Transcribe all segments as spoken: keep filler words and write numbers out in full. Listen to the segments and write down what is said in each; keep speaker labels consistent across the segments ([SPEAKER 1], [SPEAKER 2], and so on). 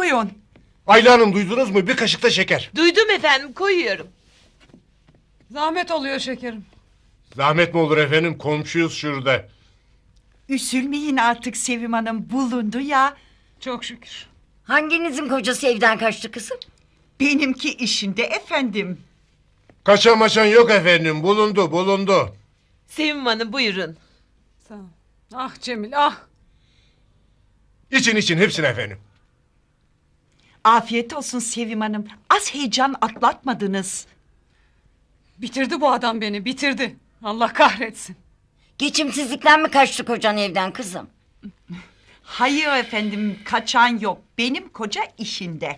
[SPEAKER 1] Buyurun.
[SPEAKER 2] Ayla Hanım duydunuz mu? Bir kaşık da şeker.
[SPEAKER 3] Duydum efendim, koyuyorum.
[SPEAKER 4] Zahmet oluyor şekerim.
[SPEAKER 2] Zahmet mi olur efendim? Komşuyuz şurada.
[SPEAKER 1] Üzülmeyin artık Sevim Hanım, bulundu ya.
[SPEAKER 4] Çok şükür.
[SPEAKER 5] Hanginizin kocası evden kaçtı kızım?
[SPEAKER 1] Benimki işinde efendim.
[SPEAKER 2] Kaçan maçan yok efendim. Bulundu bulundu.
[SPEAKER 3] Sevim Hanım buyurun.
[SPEAKER 4] Sağ ol. Ah Cemil ah.
[SPEAKER 2] İçin için hepsini efendim.
[SPEAKER 1] Afiyet olsun Sevim Hanım. Az heyecan atlatmadınız.
[SPEAKER 4] Bitirdi bu adam beni bitirdi. Allah kahretsin.
[SPEAKER 5] Geçimsizlikten mi kaçtı kocan evden kızım?
[SPEAKER 1] Hayır efendim, kaçan yok. Benim koca işinde.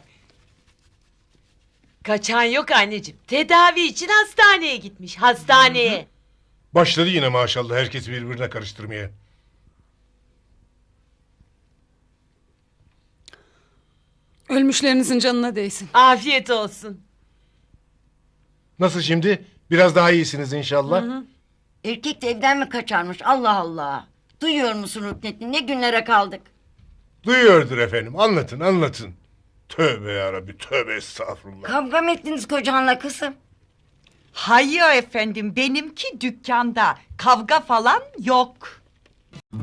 [SPEAKER 3] Kaçan yok anneciğim. Tedavi için hastaneye gitmiş. Hastaneye.
[SPEAKER 2] Başladı yine maşallah herkes birbirine karıştırmaya.
[SPEAKER 4] Ölmüşlerinizin canına değsin.
[SPEAKER 3] Afiyet olsun.
[SPEAKER 2] Nasıl şimdi? Biraz daha iyisiniz inşallah.
[SPEAKER 5] Erkek de evden mi kaçarmış Allah Allah. Duyuyor musun Rüknettin, ne günlere kaldık.
[SPEAKER 2] Duyuyordur efendim. Anlatın anlatın. Tövbe yarabbi tövbe estağfurullah.
[SPEAKER 5] Kavga mı ettiniz kocanla kızım?
[SPEAKER 1] Hayır efendim, benimki dükkanda. Kavga falan yok.